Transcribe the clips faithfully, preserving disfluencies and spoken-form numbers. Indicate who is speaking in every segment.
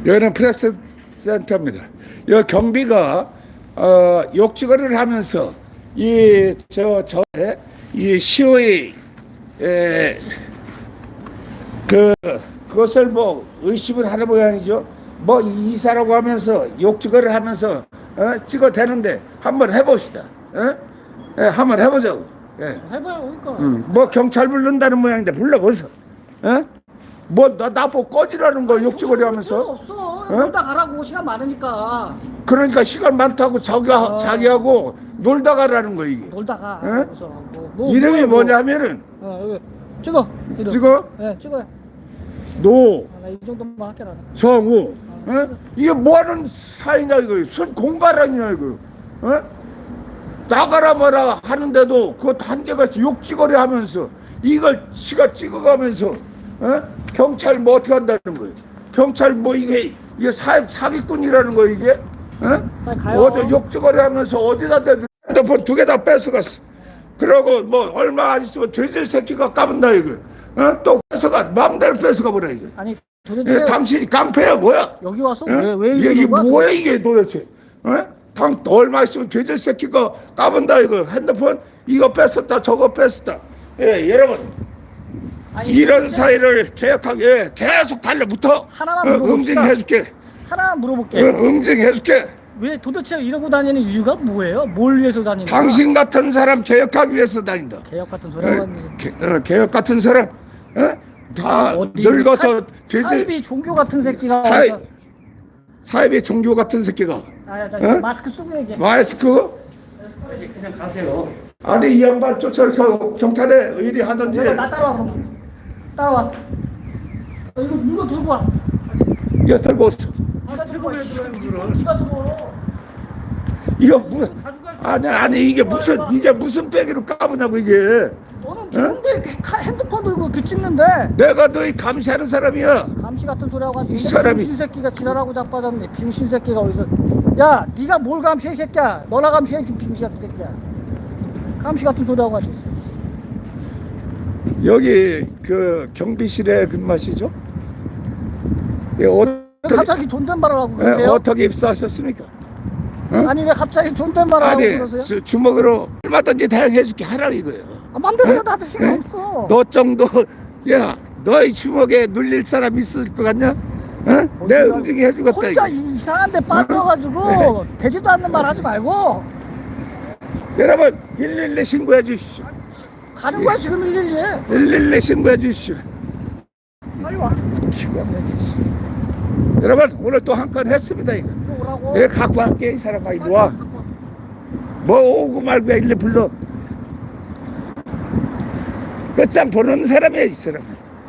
Speaker 1: 여기는 프레스 센터입니다. 여 경비가 어, 욕지거리를 하면서 이 저 저 이 시의 에, 그 그것을 뭐 의심을 하는 모양이죠. 뭐 이사라고 하면서 욕지거리를 하면서 어, 찍어대는데 한번 해봅시다. 어? 예, 한번 해보자고. 예.
Speaker 2: 해봐요, 그러니까.
Speaker 1: 음, 뭐 경찰 불른다는 모양인데 불러보소. 어? 뭐나 나보고 꺼지라는 거 욕지거리
Speaker 2: 필요
Speaker 1: 하면서.
Speaker 2: 없어. 놀다 가라고 시간 많으니까.
Speaker 1: 그러니까 시간 많다고 자기
Speaker 2: 어.
Speaker 1: 자기하고 놀다 가라는 거 이게.
Speaker 2: 놀다가.
Speaker 1: 어?
Speaker 2: 그래서 뭐, 뭐,
Speaker 1: 이름이
Speaker 2: 뭐,
Speaker 1: 뭐냐면은
Speaker 2: 어, 여기 찍어. 이름.
Speaker 1: 찍어?
Speaker 2: 네, 찍어요.
Speaker 1: 노
Speaker 2: 아, 나이 정도만 할게 나는.
Speaker 1: 성우. 어? 이게 뭐하는 사이냐 이거. 순 공가랑이냐 이거. 어? 나가라 마라 하는데도 그거 단계같이 욕지거리 하면서 이걸 지가 찍어가면서 어? 경찰 뭐 어떻게 한다는 거예요. 경찰 뭐 이게 이게 사, 사기꾼이라는 거 이게. 어?
Speaker 2: 빨리 가요.
Speaker 1: 어디 욕지거리 하면서 어디다 대도 핸드폰 두 개 다 뺏어갔어. 그러고 뭐 얼마 안 있으면 돼지 새끼가 까분다 이거. 어? 또 뺏어가 마음대로 뺏어가 버려 이거.
Speaker 2: 아니 도대체
Speaker 1: 예, 당신이 깡패야 뭐야?
Speaker 2: 여기 와서
Speaker 1: 어?
Speaker 2: 왜, 왜
Speaker 1: 이게, 이게
Speaker 2: 이러는 거야?
Speaker 1: 뭐야 이게 도대체? 어? 당 얼마 있으면 돼지 새끼가 까분다 이거. 핸드폰 이거 뺏었다 저거 뺐었다. 예, 여러분
Speaker 2: 아니,
Speaker 1: 이런
Speaker 2: 도대체
Speaker 1: 사회를 개혁하게 계속 달려붙어.
Speaker 2: 하나만
Speaker 1: 어,
Speaker 2: 물어봅시다.
Speaker 1: 응징해줄게.
Speaker 2: 하나
Speaker 1: 어,
Speaker 2: 물어볼게.
Speaker 1: 응징해줄게.
Speaker 2: 왜 도대체 이러고 다니는 이유가 뭐예요? 뭘 위해서 다니는 거야?
Speaker 1: 당신 같은 사람 개혁하기 위해서 다닌다.
Speaker 2: 개혁 같은 소리
Speaker 1: 어,
Speaker 2: 하고
Speaker 1: 개, 어, 개혁 같은 사람 어? 다 늙어서 돼지
Speaker 2: 사이비 종교 같은 새끼가
Speaker 1: 사이,
Speaker 2: 와서-
Speaker 1: 사이비 종교 같은 새끼가
Speaker 2: 아, 자,
Speaker 1: 어?
Speaker 2: 마스크 쓰고 얘기해.
Speaker 1: 마스크
Speaker 2: 그냥 가세요.
Speaker 1: 아니 이 양반 쫓아 경찰에 의리 하든지.
Speaker 2: 나 따라와 그럼. 따라와. 어, 이거 이거 들고 와.
Speaker 1: 이거 들고 왔어.
Speaker 2: 아, 나 들고 와. 네가 들어.
Speaker 1: 이거 무 아니 아니 이게 무슨 이게 무슨 빼기로 까부냐고 이게.
Speaker 2: 너는 누군데 이렇게 카- 핸드폰 들고 이렇게 찍는데?
Speaker 1: 내가 너희 감시하는 사람이야.
Speaker 2: 감시 같은 소리 하고
Speaker 1: 이
Speaker 2: 있는데
Speaker 1: 사람이-
Speaker 2: 병신 새끼가 지랄하고 자빠졌네. 병신 새끼가 어디서? 야, 네가 뭘 감시해 이 새끼야? 너나 감시해 이 병신 같은 새끼야. 감시 같은 소리 하고 앉았어.
Speaker 1: 여기 그 경비실에 근무하시죠? 예,
Speaker 2: 왜
Speaker 1: 어떻게
Speaker 2: 갑자기 존댓말을 하고
Speaker 1: 예,
Speaker 2: 그러세요?
Speaker 1: 어떻게 입사하셨습니까? 어?
Speaker 2: 아니 왜 갑자기 존댓말을 하고
Speaker 1: 아니
Speaker 2: 그러세요?
Speaker 1: 주, 주먹으로 얼마든지 대응해줄게 하라 이거예요.
Speaker 2: 아, 맘대로
Speaker 1: 예?
Speaker 2: 나한테 신경
Speaker 1: 예?
Speaker 2: 없어.
Speaker 1: 너 정도 야 너희 주먹에 눌릴 사람 있을 것 같냐? 어? 내
Speaker 2: 어디가-
Speaker 1: 응징이 해주겠다
Speaker 2: 혼자
Speaker 1: 이거.
Speaker 2: 이상한 데 빠져가지고 되지도 않는 말 하지 말고
Speaker 1: 여러분 일일이 신고해 주십시오.
Speaker 2: 가는 거야 지금 일일이.
Speaker 1: 일일이 신고해 주십시오.
Speaker 2: 빨리 와.
Speaker 1: 기가 막히지. 여러분 오늘 또 한 건 했습니다 이거.
Speaker 2: 이리 오라고.
Speaker 1: 내가 갖고 갈게 이 사람아 이리 와. 뭐 오고 말고 일일이 불러. 그참 보는 사람이야 이 사람.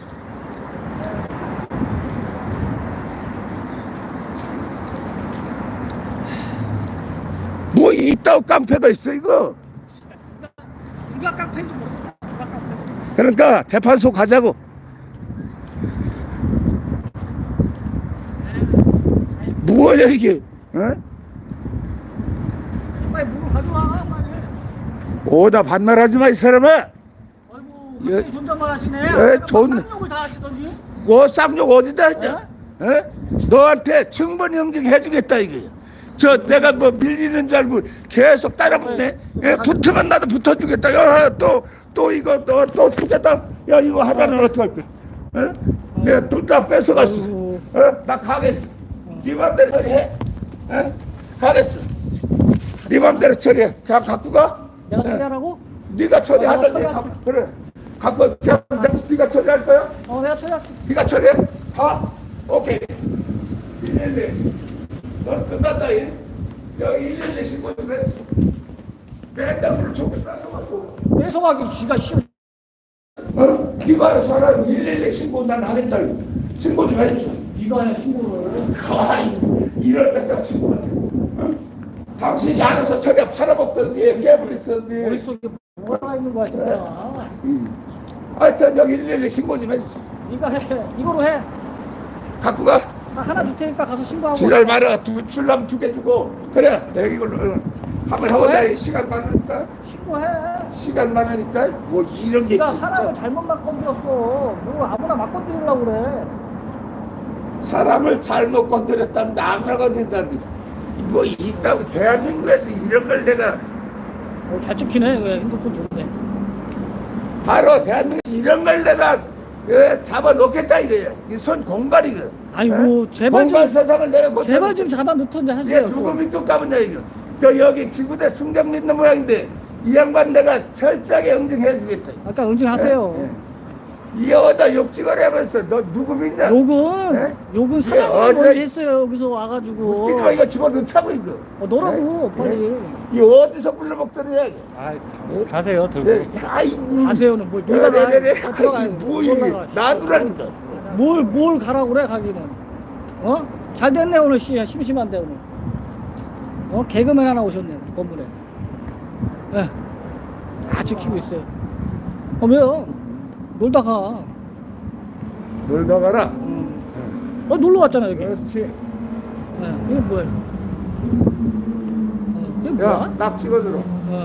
Speaker 1: 뭐 이따위 깡패가 있어 이거.
Speaker 2: 누가 깡패인지 모르겠다. 누가 깡패인지.
Speaker 1: 그러니까 재판소 가자고. 뭐야 이게? 어?
Speaker 2: 빨리 물을 가져와 빨리.
Speaker 1: 오다 반말하지 마 이 사람아.
Speaker 2: 아이고
Speaker 1: 예.
Speaker 2: 갑자기 존댓말 하시네.
Speaker 1: 예,
Speaker 2: 내가
Speaker 1: 존-
Speaker 2: 막 쌍욕을 다 하시던지.
Speaker 1: 뭐 쌍욕 어디다 했냐? 어? 너한테 충분히 응징해주겠다 이게. 저 내가 뭐 밀리는 줄 알고 계속 따라붙네. 예, 붙으면 나도 붙어주겠다. 야, 또, 또 이거 또, 또 주겠다. 야, 이거 하나는 어떡할 거야? 어? 내가 둘 다 뺏어갔어. 어? 나 가겠어. 네 맘대로 처리해. 어? 가겠어. 네 맘대로 처리해. 그냥 갖고 가.
Speaker 2: 내가 처리하라고?
Speaker 1: 네가 처리하던지.
Speaker 2: 어, 처리할게.
Speaker 1: 가- 그래. 갖고 그냥 네가 처리할 거야?
Speaker 2: 어 내가 처리할게.
Speaker 1: 네가 처리해? 가. 오케이. 일일이. 넌 끝났다. 일. 여기 일일이 신고 좀 했어. 내 핸드폰을 조금 뺏어가지고.
Speaker 2: 뺏어가기 쥐가 씨.
Speaker 1: 어? 네가 알아서 하라. 일일이 신고 난 하겠다. 이거. 신고 좀 해주소.
Speaker 2: 네가 해 신고를.
Speaker 1: 아이, 이런 배짱 친구한테. 어? 당신이 알아서 처리해 팔아먹던지 깨버리던지.
Speaker 2: 머릿속에 뭐가 있는 거야 진짜.
Speaker 1: 하여튼 여기 일일이 신고 좀 해주소.
Speaker 2: 네가 해. 이거로 해.
Speaker 1: 갖고 가.
Speaker 2: 나 하나 줄 테니까 가서 신고하고.
Speaker 1: 지랄 말아. 두 줄라면 두 개 주고. 그래. 내가 이걸로 어. 한번 해보자. 시간 많으니까.
Speaker 2: 신고해.
Speaker 1: 시간 많으니까. 뭐 이런 게
Speaker 2: 네가
Speaker 1: 있어.
Speaker 2: 사람을
Speaker 1: 진짜.
Speaker 2: 잘못 막 건드렸어. 뭐 아무나 막 건드리려고 그래.
Speaker 1: 사람을 잘못 건드렸다면 아무나 건든답니다. 뭐 있다고 대한민국에서 이런 걸 내가
Speaker 2: 어, 잘 찍히네. 왜 핸드폰 좋네.
Speaker 1: 바로 대한민국에서 이런 걸 내가 예, 잡아놓겠다 이거예요. 이 손 공갈이거.
Speaker 2: 아이고, 제발 좀-
Speaker 1: 공갈 세상을 내가 고쳐.
Speaker 2: 제발 좀 잡아 놓던지
Speaker 1: 얘
Speaker 2: 하세요.
Speaker 1: 누구
Speaker 2: 좀.
Speaker 1: 믿고 가보냐 이거. 저 여기 지구대 순경 믿는 모양인데 이 양반 내가 철저하게 응징해 주겠다.
Speaker 2: 아까 응징하세요.
Speaker 1: 예, 예. 이 여자 욕지걸 하면서 너 누구 믿냐?
Speaker 2: 욕은
Speaker 1: 예?
Speaker 2: 욕은
Speaker 1: 예,
Speaker 2: 사장님이
Speaker 1: 어제-
Speaker 2: 먼저 했어요. 여기서 와가지고.
Speaker 1: 웃기지 마 이거 집어넣자고 이거.
Speaker 2: 어, 너라고
Speaker 1: 예?
Speaker 2: 빨리.
Speaker 1: 이 어디서 불러먹더냐 이거.
Speaker 2: 아,
Speaker 1: 예?
Speaker 2: 가세요. 들고.
Speaker 1: 예, 아이고.
Speaker 2: 가세요는 뭐
Speaker 1: 그래,
Speaker 2: 놀다가
Speaker 1: 그래, 그래.
Speaker 2: 아, 들어가요.
Speaker 1: 아이, 뭐 이게
Speaker 2: 놀다가.
Speaker 1: 놔두라니까.
Speaker 2: 뭘, 뭘 가라고 그래, 가기는. 어? 잘 됐네, 오늘 씨. 심심한데, 오늘. 어? 개그맨 하나 오셨네, 건물에. 예. 다 지키고 있어요. 어, 왜요? 놀다가.
Speaker 1: 놀다 가라.
Speaker 2: 음. 어, 놀러 왔잖아, 여기. 예.
Speaker 1: 그렇지.
Speaker 2: 이거 뭐야? 어, 이게 뭐야?
Speaker 1: 야, 딱 찍어주라.
Speaker 2: 어.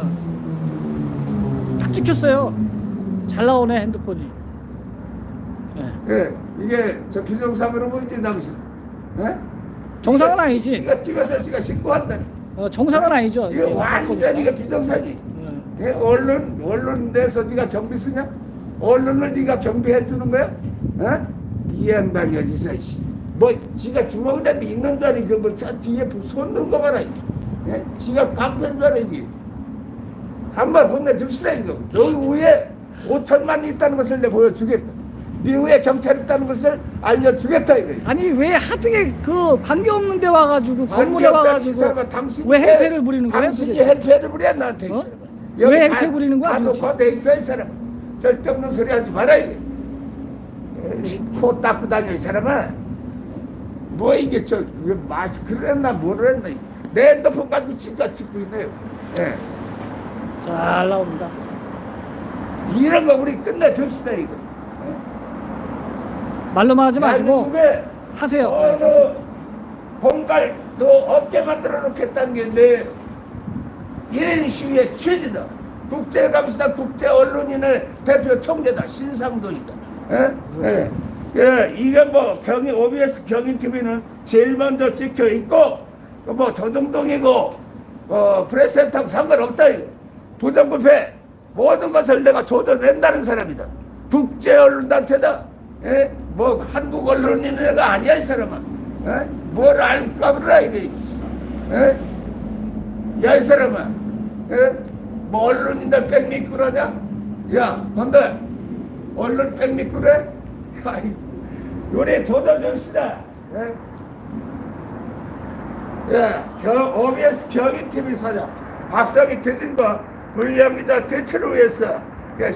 Speaker 2: 딱 찍혔어요. 잘 나오네, 핸드폰이. 예.
Speaker 1: 예, 이게 저 비정상으로 보이지 당신. 예?
Speaker 2: 정상은 아니지.
Speaker 1: 이거 찍어서 지가 신고한다.
Speaker 2: 어, 정상은 아니죠.
Speaker 1: 이거
Speaker 2: 이게
Speaker 1: 완전
Speaker 2: 보니까.
Speaker 1: 이거 비정상이.
Speaker 2: 예.
Speaker 1: 예, 언론 언론 내서 네가 경비 쓰냐? 언론을 네가 경비해 주는 거야? 어? 이 양반이 어디서 이씨. 뭐 지가 주먹이라도 있는 줄 알아. 그뭐 뒤에 손 넣은 거 봐라. 예? 지가 강태인 줄 알아 이게. 한번 혼내줍시다 이거. 여기 위에 오천만이 있다는 것을 내가 보여주겠다. 네 위에 경찰 있다는 것을 알려주겠다 이거.
Speaker 2: 아니 왜 하등에 그 관계 없는 데 와가지고 건물에 와가지고
Speaker 1: 당신이
Speaker 2: 왜 행태를 부리는 거야?
Speaker 1: 당신이
Speaker 2: 도대체?
Speaker 1: 행태를 부려 나한테 이
Speaker 2: 어?
Speaker 1: 사람아.
Speaker 2: 왜
Speaker 1: 여기
Speaker 2: 행태
Speaker 1: 다-
Speaker 2: 부리는 거야,
Speaker 1: 다
Speaker 2: 도대체?
Speaker 1: 녹화돼 있어 이 사람. 쓸데없는 소리 하지 마라 이게. 에이, 코 닦고 다녀 이 사람아. 뭐 이게 저 그게 마스크를 했나 뭐를 했나. 내 핸드폰 가지고 지가 찍고 있네요. 예.
Speaker 2: 잘 나옵니다.
Speaker 1: 이런 거 우리 끝내줍시다 이거.
Speaker 2: 말로만 하지 마시고
Speaker 1: 대한민국에
Speaker 2: 하세요.
Speaker 1: 어느 공갈도 없게 만들어 놓겠다는 게 내 이런 시위의 취지다. 국제감시단 국제언론인의 대표 총재다. 신상돈이다. 예? 예. 예, 이게 뭐 경인 오비에스 경인티비는 제일 먼저 찍혀 있고 뭐 조정동이고 어 프레스센터하고 상관없다 이거. 부정부패 모든 것을 내가 조져낸다는 사람이다. 국제언론단체다. 예? 뭐 한국 언론인 애가 아니야 이 사람아. 예? 뭘 알까 보라 이게. 예? 야 이 사람아. 예? 뭐 언론인들 백 미꾸라냐? 야 뭔데? 언론 백 미꾸래? 아이 요래 조져줍시다. 예? 예, 경, 오비에스 경인티비 사장 박상희 퇴진과 불량기자 대체를 위해서